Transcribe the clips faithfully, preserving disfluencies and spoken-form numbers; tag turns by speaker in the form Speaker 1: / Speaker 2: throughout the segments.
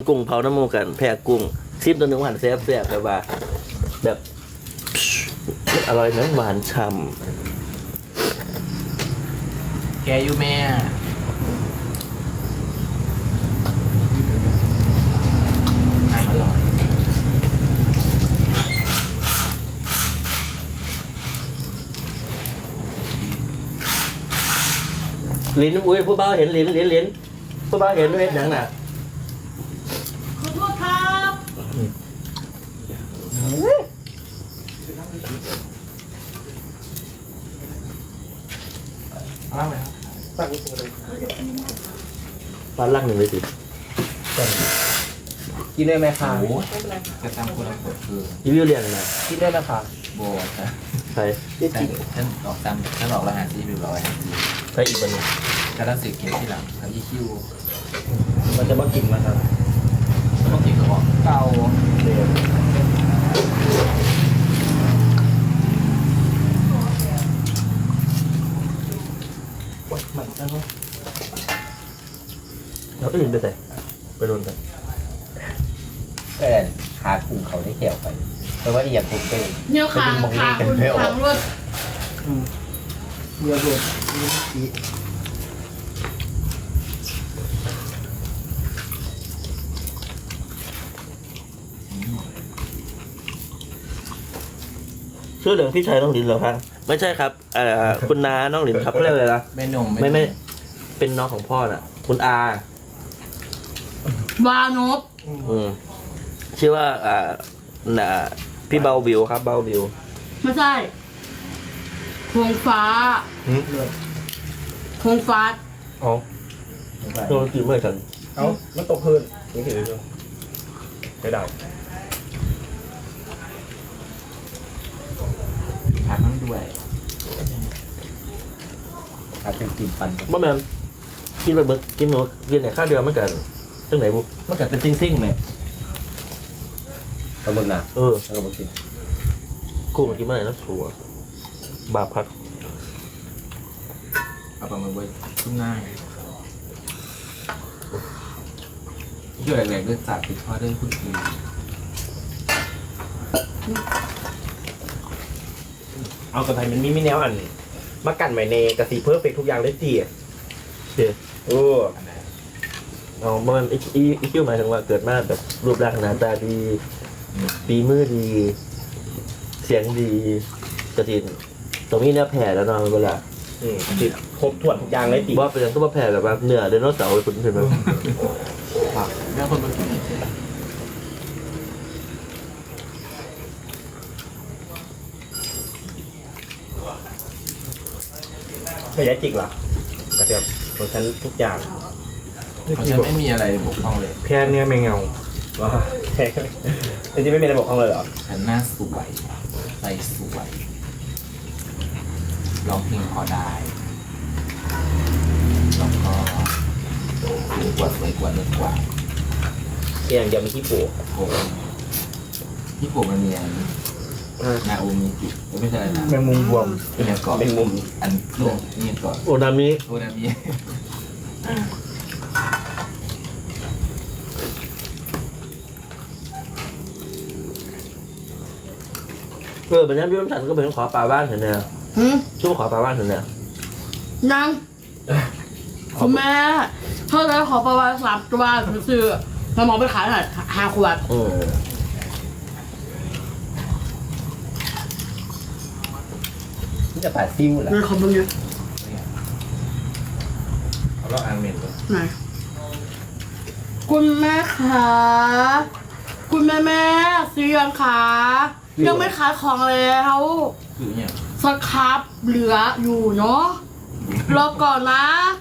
Speaker 1: กุ้งเผาน้ำมูกันแพะกุ้งซิมตัวหนึ่งหวานแซ่บแซ่บแบบว่าแบบอร่อยนะหวานฉ่ำ
Speaker 2: แกอยู่แม่อร่อย
Speaker 1: ลิ้นอุ้ยผู้บ่าวเห็นลิ้นลิ้นลิ้นผู้บ่าวเห็นด้วยหนังน่ะ
Speaker 3: ขอโทษครับ
Speaker 2: อ้าวไหมครับ
Speaker 1: ปลาลักหนึ่งเลยสิ
Speaker 4: กินได้ไหมคะ
Speaker 2: โอ้กระตำคนละขวดคือ
Speaker 1: รีวิวเรียงนะ
Speaker 4: กินได้ไหมคะ
Speaker 2: โบว์นะ
Speaker 1: ใช่
Speaker 2: ฉันฉันออกตามฉันออกรหัสที่เรียบร้อย
Speaker 1: ใช่อีกวันหนึง
Speaker 2: กระดังสิเก็บที่หลังทำยี่คิว
Speaker 4: มันจะมากินมาครับ
Speaker 2: ต้องกินกระบอก
Speaker 4: เก่าเร็ว
Speaker 1: มันแล้วแล้วก็ยินไปแต่ไปโดนแต่
Speaker 4: แอนขาคุมเขาได้เกี่ยวกันเพราะว่าอีอย่างผมเป็น
Speaker 3: เนี่ยขางขางคุณขางรถ
Speaker 4: เรือโดดนี่
Speaker 1: ชื่อเหลืองพี่ชายน้องลินเหรอครับไม่ใช่ครับเอ่อคุณน้าน้องลินครับเขาเรียกอะไรนะ
Speaker 2: ไม่นม
Speaker 1: ไม่ไม่เป็นน้องของพ่อน่ะ คุณอาว
Speaker 3: านพ
Speaker 1: อืมชื่อว่าอ่าน่ะพี่เบาวิวครับเบาวิว
Speaker 3: ไม่ใช่คงฟ้าคงฟ้า
Speaker 1: อ๋อโดนกินเมื่อฉัน
Speaker 4: เอามันตกพื้นนี่ถือดูไม่ได้
Speaker 2: ผักน้ำด้วย
Speaker 4: อาจจะกินปัน
Speaker 1: บ่แม่นกินไปเบิกกินหนูกินไหนข้าวเดียวมันกันจังไหนบุมันกันเป็นซิ่งๆไหม
Speaker 4: กระมึงนะ
Speaker 1: เออ
Speaker 4: แล้วก็มากิน
Speaker 1: กูมากินเมื่อไหร่นะสัวบาปพัด
Speaker 2: เอาปลาหมึกไว้ทุ่งง่ายเกี่ยวแหลกๆด้วยจัดติดข้อเรื่องคุณคือ
Speaker 4: เอากระไทยมันมีมีแนวอันมากันไว้ในกระสีเพิ่มเฟกทุกอย่างได้จีอ่ะ
Speaker 1: เดี๋ยว
Speaker 4: โอ้
Speaker 2: อันไหน
Speaker 1: เอามันอีอีอีคิวหมายถึงว่าเกิดมาแบบรูปร่างหน้าตาดีปีมือดี เสียงดีกระดินตรงนี้เนี่ยแผ่แล้วเนอนเวลา
Speaker 4: อืมติดครบถ้วนทุกอย่างได้จี
Speaker 1: ว่าเป็นยังก็มาแผ่แบบว่าเนื้อไดโนเสาร์คุณเห็นไหม
Speaker 2: เรื่องคนมากิน
Speaker 4: ไม่ได้จิกหรอกกระเทียมของฉันทุกอย่าง
Speaker 2: เพราะฉันไม่มีอะไรบกพร่องเลย
Speaker 4: แค่เนี้ยไม่เงาว้าแค่จริงๆไม่มีอะไรบอกเขาเลยเหรอ
Speaker 2: ฉันหน้าสวยใจสวยร้องเพลงพอได้แล้วก็สวยกว่าสวยกว่าเลิศกว่า
Speaker 4: เพียงเดียวมีที่ปลูก
Speaker 2: โอ้ญี่ปุ่นมันมีอันนาโอมิจิไม่ใช่อะไรนะ
Speaker 4: แมงมุมรวม
Speaker 2: เป็นอย่างก่อน
Speaker 4: แมงมุม
Speaker 2: อันโลกนี่ก่อน
Speaker 1: โอนามิ
Speaker 2: โอนามิ
Speaker 1: เออเป็นยังพี่น้ำฉันก็เป็นขอปลาบ้านเห็นเนี่ย
Speaker 3: หืม
Speaker 1: ช่วยขอปลาบ้านเห็นเนี่ย
Speaker 3: ยังคุณแม่เท่าไรขอประมาณสามตัวซื้อแล้วมองไปขายหน่อยห้าขวด
Speaker 1: อืม
Speaker 4: นี่จะปาดซิ่วเหรอ
Speaker 3: เงินของมึงเยอะ
Speaker 2: เอาลอกอันเมนเลย
Speaker 3: ไหนคุณแม่คะคุณแม่แม่ซื้อยังคะยังไม่ขายของแล้ว
Speaker 2: คือเนี่ย
Speaker 3: สครับเหลืออยู่เนาะรอก่อนนะ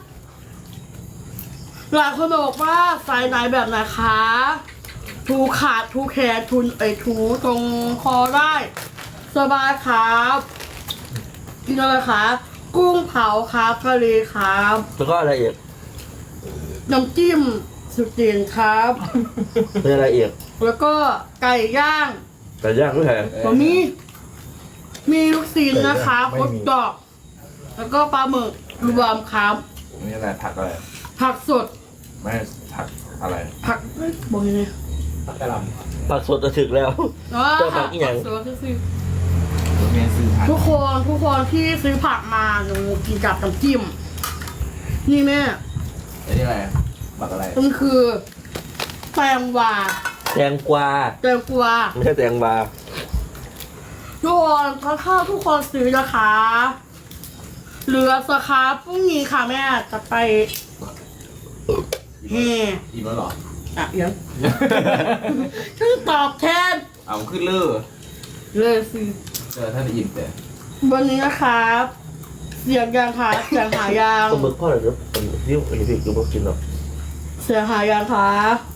Speaker 3: หลายคนบอกว่าไซส์ไหนแบบไหนคะทูขาดทูแขนทุนไอยทูตรงคอได้ สบายครับกินอะไรคะกุ้งเผาครับทะเลครับ
Speaker 1: แล้วก็อะไรอีก
Speaker 3: น้ำจิ้มสุดเด่นครับ
Speaker 1: เป็นอะไรอีก
Speaker 3: แล้วก็ไก่ย่าง
Speaker 1: ไก่ย่างด้วยแหง
Speaker 3: ผมมี มีลูกซีนนะคะคดดอก แล้วก็ปลาหมึกรวมครับ
Speaker 2: นี่อะไรผักอะไร
Speaker 3: ผักสด
Speaker 2: ไม่ผักอะไร
Speaker 3: ผักเอ้ยบอกยังไง
Speaker 4: ผักกะหล่
Speaker 1: ปากสดจะถึกแล้ว
Speaker 3: อ๋อ
Speaker 1: เจ้าผักอีหยัง
Speaker 3: ซื้อซื้อ
Speaker 2: รถเมล์ซื้อผัก
Speaker 3: ทุกคนทุกคนที่ซื้อผักมาหนูกินกับน้ำจิ้มนี่แม่
Speaker 2: ไอ้นี่อะไรบักอะไร
Speaker 3: มันคือแตงกวา
Speaker 1: แตงกวา
Speaker 3: แตงกวา
Speaker 1: ไม่ใช่แตงบา
Speaker 3: ทุกคนถ้าข้าวทุกคนซื้อนะคะเหลือสครับพรุ่งนี้ค่ะแม่จะไปแห่
Speaker 2: อิ่มแล้วเหรอ
Speaker 3: อ่ะเดี๋ยังชื่อตอบแทน
Speaker 2: เอาขึ้นเลือ
Speaker 3: เลยสิ
Speaker 2: เจอท่านอิ่มแต่
Speaker 3: วันนี้นะครับเสียงยังคะเสียงหายัง
Speaker 1: ก็มึกพ่อเลยเดี๋ยวผมยิ้วอันนี้พี่คือพวกกินหรอก
Speaker 3: เสียงหายังคะ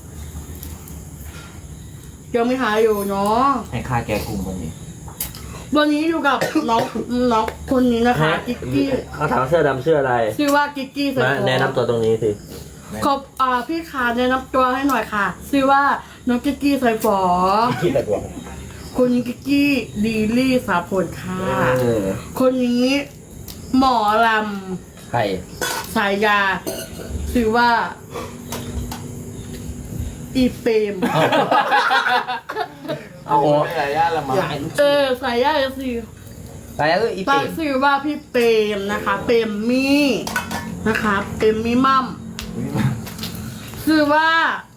Speaker 3: ยังไม่หายอยู่เนาะ
Speaker 2: ให้ค่าแกกลุ่มวันนี้
Speaker 3: วันนี้อยู่กับน้องน้องคนนี้นะคะกิกกี้
Speaker 1: เขาถามเสื้อดำเสื้ออะไร
Speaker 3: ชื่อว่ากิกกี้ใส่
Speaker 1: มา
Speaker 3: หัว
Speaker 1: แนะนำตัวตรงนี้สิ
Speaker 3: ขอบอ่าพี่ขาแนะนำตัวให้หน่อยค่ะชื่อว่าน้องกิกกี้ใส่ฝอ
Speaker 4: ำคิดแต่ตัว
Speaker 3: คนนี้กิกกี้ดีลี่สาผลค่ะ
Speaker 2: เออ
Speaker 3: คนนี้หมอล
Speaker 2: ใคร
Speaker 3: ำสายยาชื่อว่า อีเปรม
Speaker 2: เอาโอ้ยอะไรย่าละมั้ง
Speaker 3: เออสายยาสิ
Speaker 2: ไปแล้วก็อี
Speaker 3: ตั้
Speaker 2: ปิ่
Speaker 3: งชื่อว่าพี่เปรมนะคะ เปรมมี่นะคะเปรมมี่มั่มชื่อว่า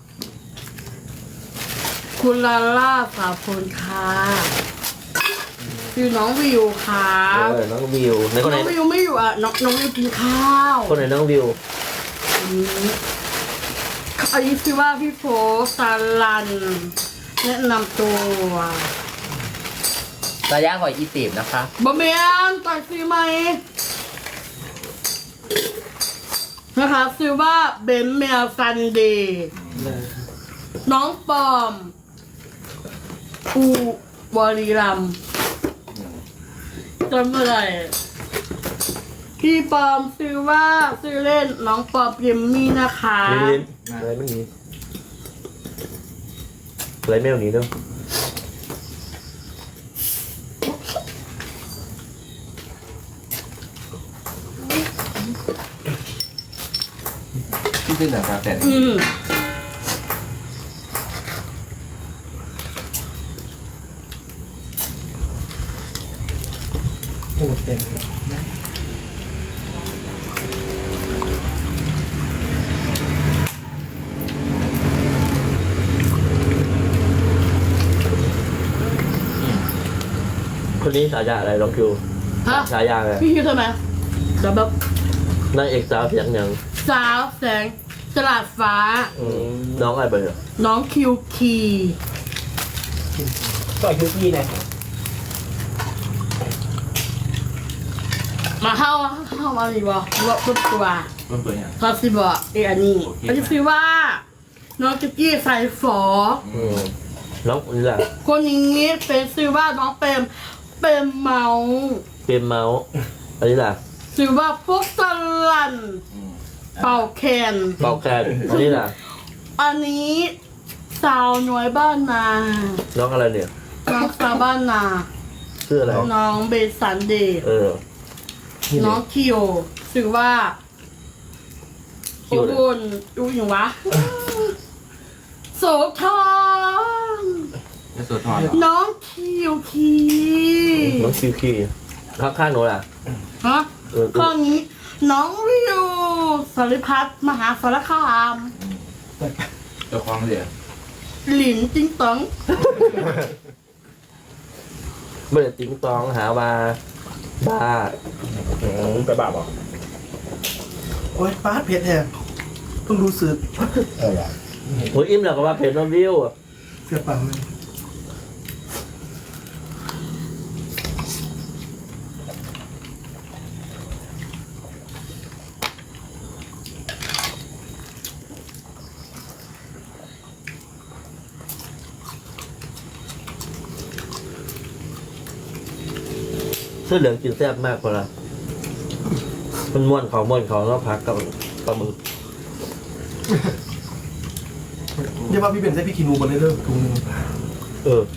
Speaker 3: คุณลาล่าสาพลค่ะชื่อน้องวิวค่ะ
Speaker 1: เออน้องวิวในคนไหน
Speaker 3: น้องวิวไม่อยู่อ่ะน้องน้องวิวกินข้าว
Speaker 1: คนไหนน้องวิว
Speaker 3: อันนี้อันนี้ชื่อว่าพี่โฟซาลัน แนะนำตัว
Speaker 2: ตาย่าขออีปิ่มนะคะ
Speaker 3: บะเมียนตักซื้อไหมนะคะซื้อว่าเบนเมลซันเดย์น้องปอมอูบริรัมย์จำไม่ได้พี่ปอมซื้อว่าซื้อเล่นน้องปอมเยมมี่นะคะ
Speaker 1: ลิ้นลิ้นอะไรไม่มีอะไรไม่เอาหนีเนาะ
Speaker 2: ที่ซื้อหนังกาแต่
Speaker 3: อืม
Speaker 4: โอ้เต็ม
Speaker 1: คนนี้ฉายาอะไรลองคิว
Speaker 3: ฮะ
Speaker 1: ฉายาอะไร
Speaker 3: พี่คิดทำไมเดี๋ยวแบบ
Speaker 1: นางเอกสาวเสียงหยัง
Speaker 3: สาวแสงฉลาดฟ้า
Speaker 1: อืมน้องอะไรไปเหรอ
Speaker 3: น้องคิวคี
Speaker 4: ก็คิวกี้นะ
Speaker 3: มาเข้าเข้ามาดีกว่าว่าปุ๊บตัว
Speaker 2: ต้นตัวอย่าง
Speaker 3: ทอสิบอกเออันนี้
Speaker 2: โอเค
Speaker 3: อันนี้คือว่า น้องกิกกี้ใส่ฝอ
Speaker 1: อืมน้องนี่แหละ
Speaker 3: คนนี้เป็นชื่อว่าน้องเปรมเปรมเมา
Speaker 1: เป็นเมาส์อันนี้แหละ
Speaker 3: ชื่อว่าพวกสลัน
Speaker 2: อืม
Speaker 3: เป่าแคน
Speaker 1: เบาแคนอันนี้แหละ
Speaker 3: อันนี้สาวน้อยบ้านนา
Speaker 1: น้องอะไรเนี่ย
Speaker 3: น้องสาวบ้านนา
Speaker 1: ชื่ออะไร
Speaker 3: น้องเบสันเดย์
Speaker 1: เออ
Speaker 3: น้องคิวชื่อว่า
Speaker 1: คิ
Speaker 3: อุ
Speaker 1: วเลย
Speaker 3: บลดูอย่างวะโสธร
Speaker 2: จะสวดทอนเหรอ
Speaker 3: น้องคิวคี
Speaker 1: น้องคิวคีข้างข้างๆหนูล่ะ
Speaker 3: ฮะ
Speaker 1: เออ
Speaker 3: ข้อนี้น้องวิวสริพัฒน์มหาสารคาม
Speaker 2: เจ้าของเดียว
Speaker 3: หลินจิงตอง
Speaker 1: ไม่ได้ติ้งตองหาว่าบ้า
Speaker 4: อืมไปบ้าบอก
Speaker 5: โอ้ยป้าดเผ็ดแท้เพิ่งรู้สึก
Speaker 4: เออว่ะ
Speaker 1: โอ้ยอิ่มแล้วก็ว่าเพจน้องวิว
Speaker 5: เสียปังเลย
Speaker 1: เสื้อเหลืองกินแซ่บมากกว่าละมันม้วนเขาม้วนเขาแล้วพักกับปลาหมึก
Speaker 5: เดี๋ยวว่าพี่เป็นใส่พี่คินูบนเลยเด้อถุงหนึง
Speaker 1: เออ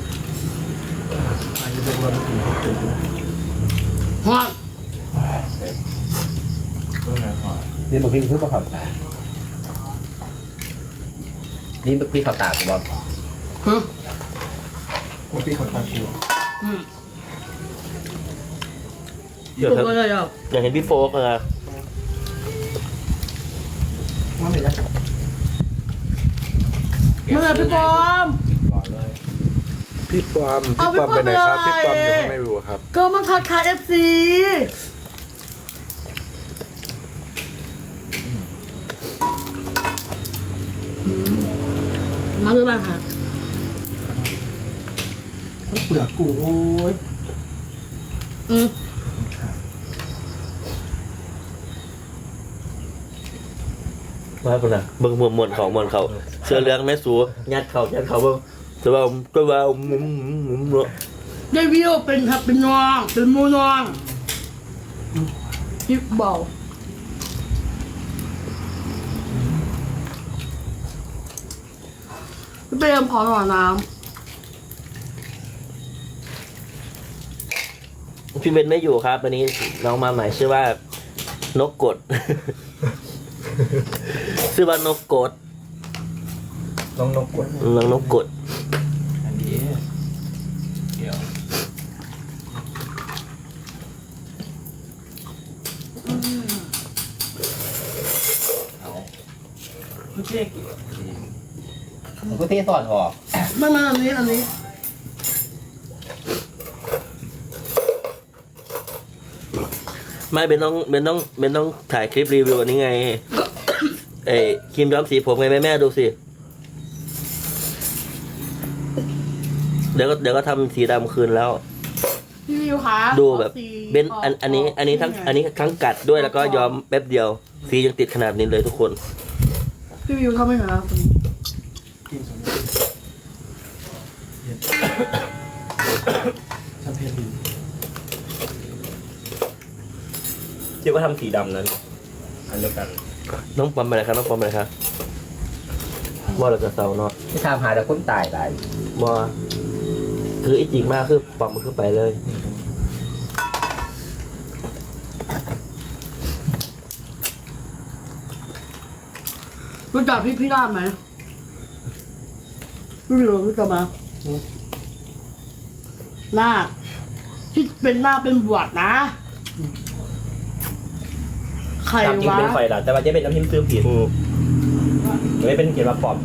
Speaker 5: อาจจะเป็นวันถุงถุง
Speaker 3: ฮะ
Speaker 2: ต้นไหนทอด
Speaker 4: นี่มันพิงเพื่อประคับ
Speaker 2: นี่พี่เขาตากบอล
Speaker 3: ฮึ
Speaker 5: ผมพี่คนตาคิว
Speaker 3: อืม
Speaker 1: เดี๋ยว
Speaker 3: ถูก
Speaker 1: ครับ
Speaker 3: เลยอ่ะ
Speaker 1: อยากเห็นพี่โฟกนะ
Speaker 5: ว่าไม่ได้
Speaker 3: เมื่อพี่บอม
Speaker 2: ก่อนเลย
Speaker 6: พี่ปอม
Speaker 3: เอา
Speaker 6: พี่ปอม
Speaker 3: พี่
Speaker 6: ไป
Speaker 3: ปอม
Speaker 6: ไหนครับ
Speaker 3: ไป
Speaker 6: พี่ปอม
Speaker 3: ไหน
Speaker 6: อยู่ข้างในวิวครับ
Speaker 3: ก็มาทักทายเอฟซีมาดูบ้างค่ะ
Speaker 5: เปลือกกุ้งโอ้ย
Speaker 3: อืม
Speaker 1: มาคนน่ะเบิ่งมวนมวนเขามวนเขาเสื้อเหลืองแม่สูยัดเขายัดเขาเบิ่งแต่ว่าก็ว่ามุมมุมมุมเนาะ
Speaker 3: ได้วิวเป็นครับเป็นน้องเป็นหมูน้องพี่เบาพี่เปรมขอหน่อยน้
Speaker 1: พี่เบนไม่อยู่ครับวันนี้น้องมาใหม่ชื่อว่านกกด ชื่อว่านกกด
Speaker 4: น้องนกกด
Speaker 1: น้องนกกด
Speaker 2: อันนี้เดี๋ยวเอา
Speaker 5: ไม่ใช่
Speaker 2: มันก็เทสอดออก
Speaker 3: ำไม่มาอันนี้อันนี้
Speaker 1: ไม่เบนต้องเบนต้องเบนต้องถ่ายคลิปรีวิวอันนี้ไง เอ้ยครีมย้อมสีผมไงแม่แม่ดูสิ เดี๋ยวก็เดี๋ยวก็ทำสีดำคืนแล้ว
Speaker 3: พี่วิวคะ
Speaker 1: ดูแบบ
Speaker 3: ขอสี
Speaker 1: เบนอันอันนี้อันนี้ทั้งอันนี้ทั้งกัดด้วยแล้วก็ย้อมแป๊บเดียวสียังติดขนาดนี้เลยทุกคน
Speaker 3: พี่วิวทำไม่เหรอ
Speaker 5: กินสมมติทำเพลงดี
Speaker 4: เดี๋ยวก็ทำสีดำนั้นอันเดียวกัน
Speaker 1: น้องปอมไปไหนครับน้องปอมไปไหนครับว่าเราจะเศร้าเนาะ
Speaker 2: ที่ทำหาแต่คนตายหลาย
Speaker 1: ว่าคืออีจริงมากคือปอมมันคือไปเลย
Speaker 3: รู้จักพี่พี่ราบไหมพี่วิวรู้จักไหมหน้าที่เป็นหน้าเป็นบวชนะใคร
Speaker 4: ตามจริง
Speaker 3: วะ
Speaker 4: เป็นไฟล่ะแต่ว่าจะเป็นน้ำพิมพ์ซื้อผิดไม่เป็นเขียนว่าปลอม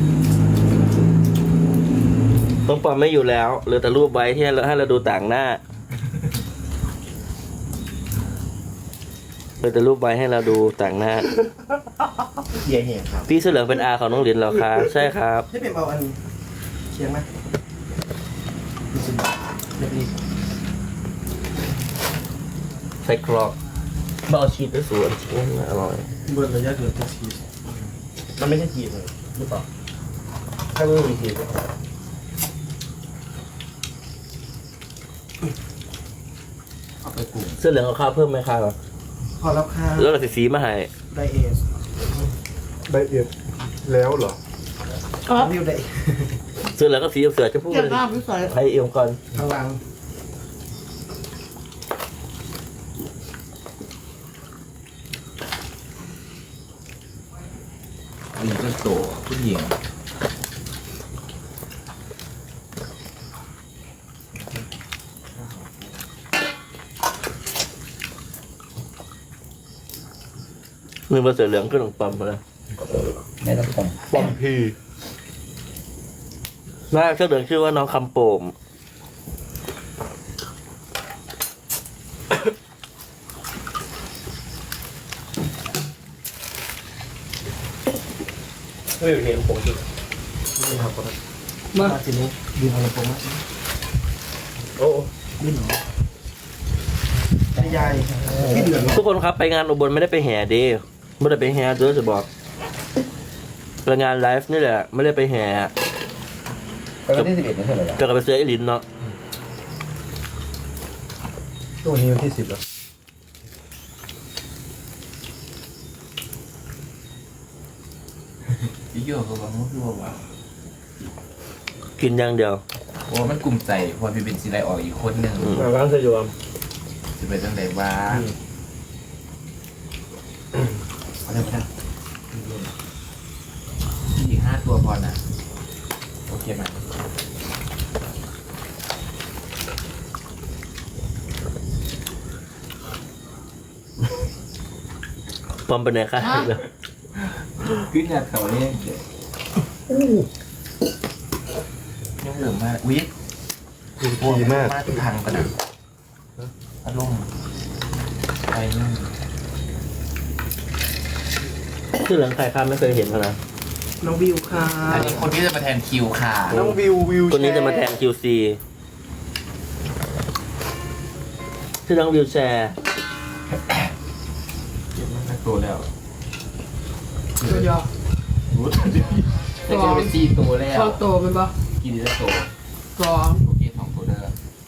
Speaker 1: น้องปอมไม่อยู่แล้วเหลือแต่รูปไว้ที่ให้เราให้เราดูต่างหน้าเหลือแต่รูปไว้ให้เราดูต่างหน้า
Speaker 4: เยียเหี้ยครับ
Speaker 1: พี่เสื้อเหลืองเป็นอาของน้องเหรียญเหรอคะใช่ครับ
Speaker 5: ให้เป็นเอาอันเคียงไหมดูสิเรียบรี
Speaker 1: ใส่กรอกมาเอาชีสด้วยสวนชีสอร่อย
Speaker 5: เบิร์ดระยะเกินจะชีส
Speaker 4: มันไม่ใช่ทีมเลยหรือเปล่าถ้าไม่มีทีม
Speaker 2: เอาไปกลุ่ม
Speaker 1: เสื้อเหลืองเอาข้าวเพิ่มไหมครับ
Speaker 5: พอรับค่า
Speaker 1: แล้วเราสีสีมาให้
Speaker 5: ไดเอส
Speaker 6: ได้เอียดแล้วเหรอ
Speaker 3: อ๋อ
Speaker 5: วิวได
Speaker 1: เสื้อเหลืองก็สีเสือจะพูด
Speaker 3: เก็บหน้าพี่ใส่
Speaker 1: ให้เอวก่อน
Speaker 5: ทางหลัง
Speaker 2: อันนี้ก็โตผู้หญิง
Speaker 1: มือมาเสือเหลืองก็ต้องปั๊มมาแล้ว
Speaker 2: แม่ต้องผม
Speaker 6: ปอมพี
Speaker 1: หน้าเสื้อเหลืองชื่อว่าน้องคำโป่ม
Speaker 4: ไม่เป็นเทียมผมจริง
Speaker 5: นี่ครับผมมาทีนี้ยืนเอาลำโพงมา
Speaker 4: โอ้
Speaker 5: ดิ้นหรอใหญ่ที่เดือด
Speaker 1: ทุกคนครับไปงานอุบลไม่ได้ไปแห่เดีไม่ได้ไปแห่เด้อจะบอกไปงานไลฟ์นี่แหละไม่ได้ไปแห่
Speaker 2: ไปวันที่สิบเอ็ดนี่เท่าไหร่ละ
Speaker 1: จะกลับไปเสื้อไอรินเนาะ
Speaker 5: ตัวนี้วันที่สิบแล้ว
Speaker 2: พี่โย่เขาบอกว่าพี่บอกว่า
Speaker 1: กินอย่างเดียว
Speaker 2: โอ้มันกลุ่มใจเพอพี่เป็นซีไรออกอีกคนหนึ่ง
Speaker 4: มาร้านสยาม
Speaker 2: จะไปตั้งแต่บ้า
Speaker 5: เอาเดี๋ยวไปนะ
Speaker 2: อีกห้าตัวตัวพอน่ะโอเคไหม
Speaker 1: ปอมเป็นไงคะ
Speaker 2: ขึ้นเนี่ยเขาเนี่ยยังเหลือมากวิทย์
Speaker 6: ดีมาก
Speaker 2: มาทุกทางกันนะอารมณ์ไปนั่น
Speaker 1: ชื่อหลังใครครับไม่เคยเห็นเขานะ
Speaker 5: น้องวิวค่ะ
Speaker 2: อันนี้คนที่จะมาแทนคิวค่ะ
Speaker 5: น้องวิววิว
Speaker 1: คนนี้จะมาแทน คิว ซี ชื่อน้องวิวแชร์
Speaker 2: เก็บมันโตแล้ว
Speaker 3: ตัวเดียว
Speaker 2: รู้แต่เดี๋ยวจะกินไปสี่ตัวแล้ว
Speaker 3: ชอบโตเป็นปะ
Speaker 2: กินได้โต
Speaker 3: สอง
Speaker 2: โอเคสองตัวเด้อ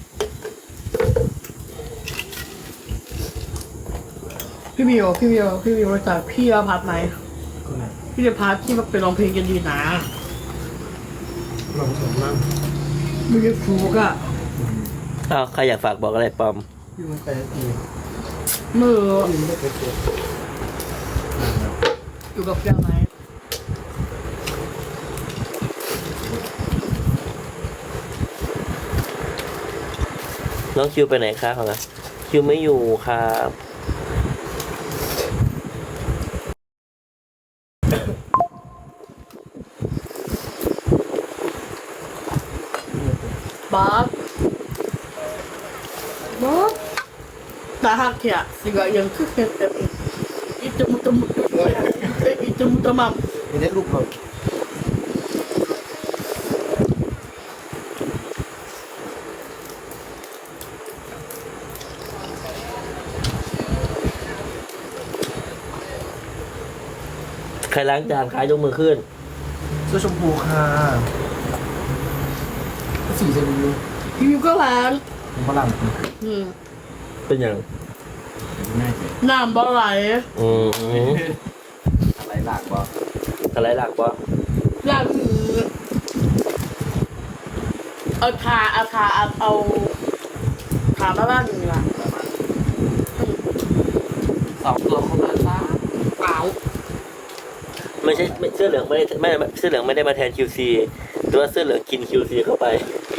Speaker 3: พี่มิวพี่มิวพี่มิวรู้จักพี่อภัทรไหมพี่อภัทรที่มาเป็นร้องเพลงกันดีนะ
Speaker 5: ลองสมมั่ง
Speaker 3: ไม่ได้ฟูกอะ
Speaker 1: อ้าวใครอยากฝากบอกอะไรปอม
Speaker 5: วิวมันไปนาที
Speaker 3: มือ
Speaker 5: วิวไม่ได้ไปเจอ
Speaker 3: อยู่กับเพื่อนไหม
Speaker 1: น้องคิวไปไหนคะเขานะคิวไม่อยู่ครับ
Speaker 3: บ๊อบบ๊อบตาหักเถียสิกะยังคือเป็นแบบอีจมุตมุตอีจมุตมัม
Speaker 5: ไม่ได้ลูกเรา
Speaker 1: ใครล้างจานใครยกมือขึ้น
Speaker 5: เสื้อชมพูค่ะสีจะวิว
Speaker 3: พี่มิวก็ร้าน
Speaker 5: ผมฝรั่ง
Speaker 3: อืม
Speaker 1: เป็นอย่าง
Speaker 2: ง่ายเลย
Speaker 3: น้ำบ่ไหล
Speaker 1: อืม
Speaker 2: อะไรหลักบ่
Speaker 1: อะไรหลักวะ
Speaker 3: ล้างมือเอาทาเอาทาเอาเอาทามาบ้านหนึ่งละ
Speaker 2: สองตัวเขามาซะ
Speaker 3: เปล่า
Speaker 1: ไม่ใช่ไม่เสื้อเหลืองไม่ได้ไม่เสื้อเหลืองไม่ได้มาแทน คิว ซี แต่ว่าเสื้อเหลืองกิน คิว ซี เข้าไป